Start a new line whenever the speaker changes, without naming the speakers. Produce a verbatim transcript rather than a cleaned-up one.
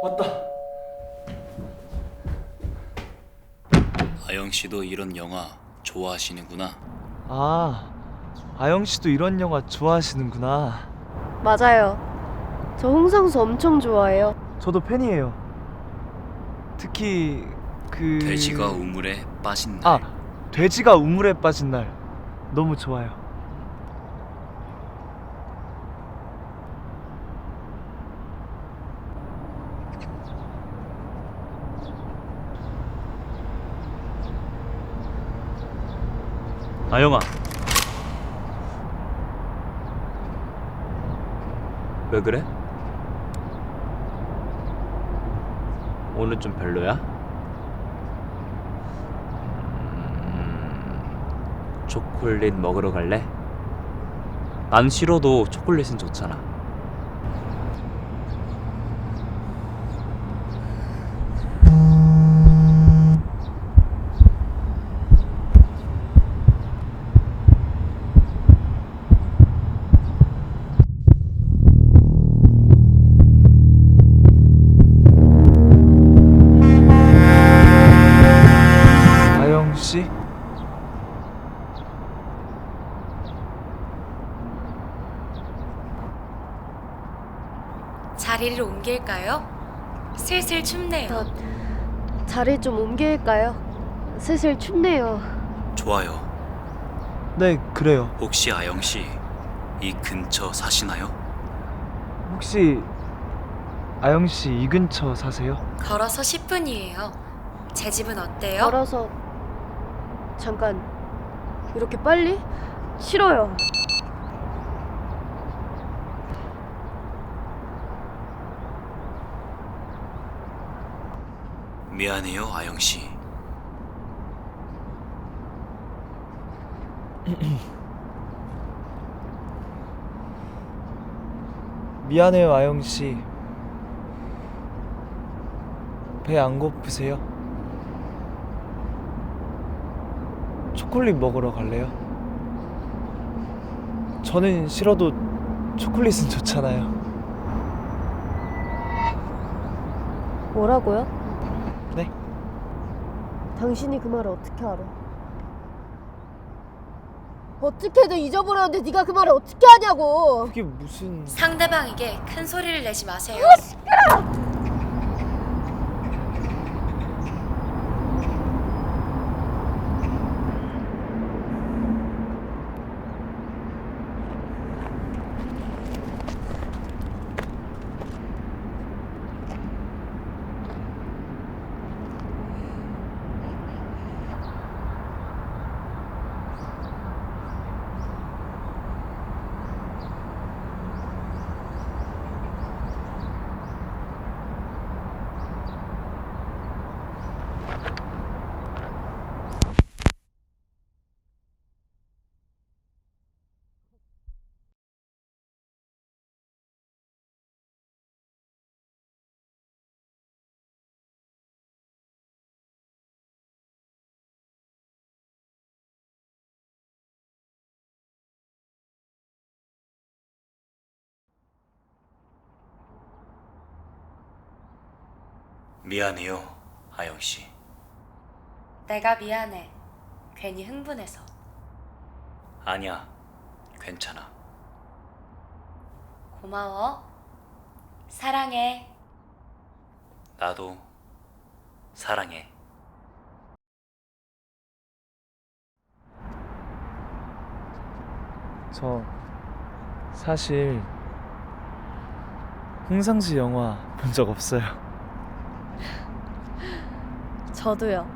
왔다.
아영 씨도 이런 영화 좋아하시는구나.
아, 아영 씨도 이런 영화 좋아하시는구나.
맞아요. 저 홍상수 엄청 좋아해요.
저도 팬이에요. 특히 그
돼지가 우물에 빠진 날.
아, 돼지가 우물에 빠진 날 너무 좋아요.
아영아, 왜 그래? 오늘 좀 별로야? 음, 초콜릿 먹으러 갈래? 난 싫어도 초콜릿은 좋잖아.
아영 씨?
자리를 옮길까요? 슬슬 춥네요.
저 자리 좀 옮길까요? 슬슬 춥네요.
좋아요.
네, 그래요.
혹시 아영 씨 이 근처 사시나요?
혹시 아영 씨 이 근처 사세요?
걸어서 십 분이에요. 제 집은 어때요?
걸어서 잠깐 이렇게 빨리? 싫어요.
미안해요, 아영 씨.
미안해요, 아영 씨. 배 안 고프세요? 초콜릿 먹으러 갈래요? 저는 싫어도 초콜릿은 좋잖아요.
뭐라고요?
네?
당신이 그 말을 어떻게 알아? 어떻게든 잊어버렸는데 네가 그 말을 어떻게 하냐고.
그게 무슨...
상대방에게 큰 소리를 내지 마세요.
미안해요, 아영 씨.
내가 미안해. 괜히 흥분해서.
아니야, 괜찮아.
고마워. 사랑해.
나도 사랑해.
저 사실 홍상수 영화 본 적 없어요.
저도요.